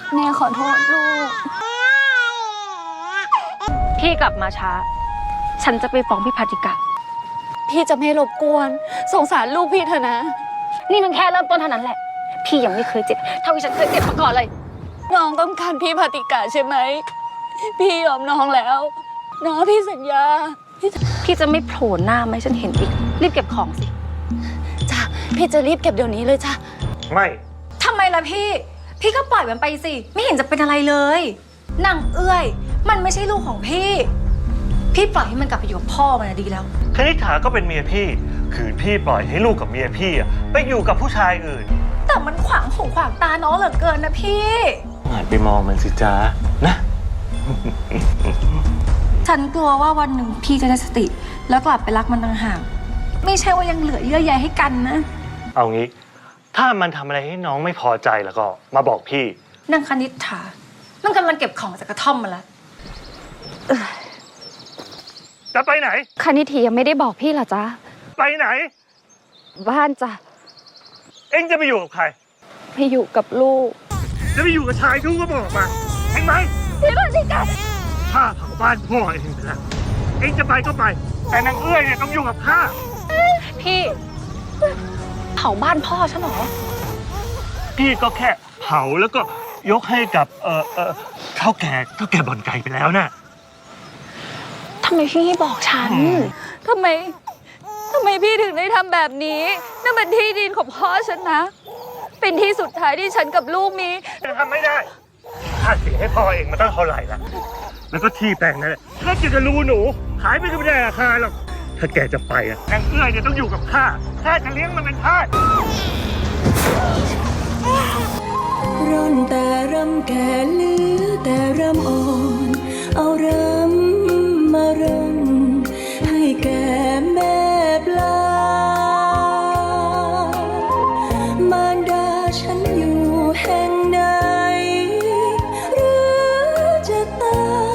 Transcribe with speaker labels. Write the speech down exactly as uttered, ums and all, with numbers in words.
Speaker 1: แม่ขอโทษลูก
Speaker 2: พี่กลับมาช้าฉันจะไปฟ้องพี่พัติกะ
Speaker 1: พี่จะไม่รบกวนสงสารลูกพี่เถอะนะ
Speaker 2: นี่มันแค่เริ่มต้นเท่านั้นแหละพี่ยังไม่เคยเจ็บเท่าที่ฉันเคยเจ็บมาก่อนเลย
Speaker 1: น้องต้องการพี่พาติกาใช่ไหมพี่ยอมน้องแล้วนะพี่สัญญาพี่
Speaker 2: พี่จะไม่โผล่หน้าไหมฉันเห็นอีกรีบเก็บของสิ
Speaker 1: จ้ะพี่จะรีบเก็บเดี๋ยวนี้เลยจ้ะ
Speaker 3: ไม่
Speaker 2: ทำไมล่ะพี่พี่ก็ปล่อยมันไปสิไม่เห็นจะเป็นอะไรเลยนางเอื้อยมันไม่ใช่ลูกของพี่พี่ปล่อยให้มันกลับไปอยู่กับพ่อมันดีแล้ว
Speaker 3: คณิษฐาก็เป็นเมียพี่คืนพี่ปล่อยให้ลูกกับเมียพี่อะไปอยู่กับผู้ชายอื่น
Speaker 2: แต่มันขวางหูขวางตาน้องเหลือเกินนะพี่
Speaker 3: หันไปมองมันสิจ้านะ
Speaker 2: ฉันกลัวว่าวันหนึ่งพี่จะได้สติแล้วกลับไปรักมันต่างหากไม่ใช่ว่ายังเหลือเยื่อใยให้กันนะ
Speaker 3: เอางี้ถ้ามันทำอะไรให้น้องไม่พอใจแล้วก็มาบอกพี่
Speaker 2: นางคณิษฐามันกำลังเก็บของจากกระท่อมมาแล้ว
Speaker 3: จะไปไหน
Speaker 1: คณิธียังไม่ได้บอกพี่เหรอจ๊ะ
Speaker 3: ไปไหน
Speaker 1: บ้านจ้ะ
Speaker 3: เอ็งจะไปอยู่กับใคร
Speaker 1: ไปอยู่กับลูก
Speaker 3: จะไปอยู่กับชายชู้ก็บอกมาเอ็งไหม
Speaker 1: พี่พาติกา
Speaker 3: ข้าเผาบ้านพ่อเองไปแล้วเอ็งจะไปก็ไปแต่นางเอื้อยเนี่ยต้องอยู่กับข้า
Speaker 2: พี่เผาบ้านพ่อฉันหรอ
Speaker 3: พี่ก็แค่เผาแล้วก็ยกให้กับเออเออเท่าแก่เท่าแก่บ่อนไก่ไปแล้วน่ะ
Speaker 2: ทำไมพี่ไม่บอกฉัน
Speaker 1: ทำไมทำไมพี่ถึงได้ทำแบบนี้นั่นเป็นที่ดินของพ่อฉันนะเป็นที่สุดท้ายที่ฉันกับลูกมี
Speaker 3: ทำไม่ได้ค่าเสียให้พ่อเองมาตั้งเท่าไหร่ละแล้วก็ที่แปลงนั้นถ้าแกจะรู้หนูขายไปก็ไม่ได้ราคาหรอกถ้าแกจะไปอ่ะนางเอื้อยเนี่ยต้องอยู่กับข้าข้าจะเลี้ยงมันเป็นทาส
Speaker 4: ร่อนแต่รำแก่เหลือแต่รำอ่อนเอารำมารำให้แก่แม่ปลามารดาฉันอยู่แห่งใดหรือจะตาย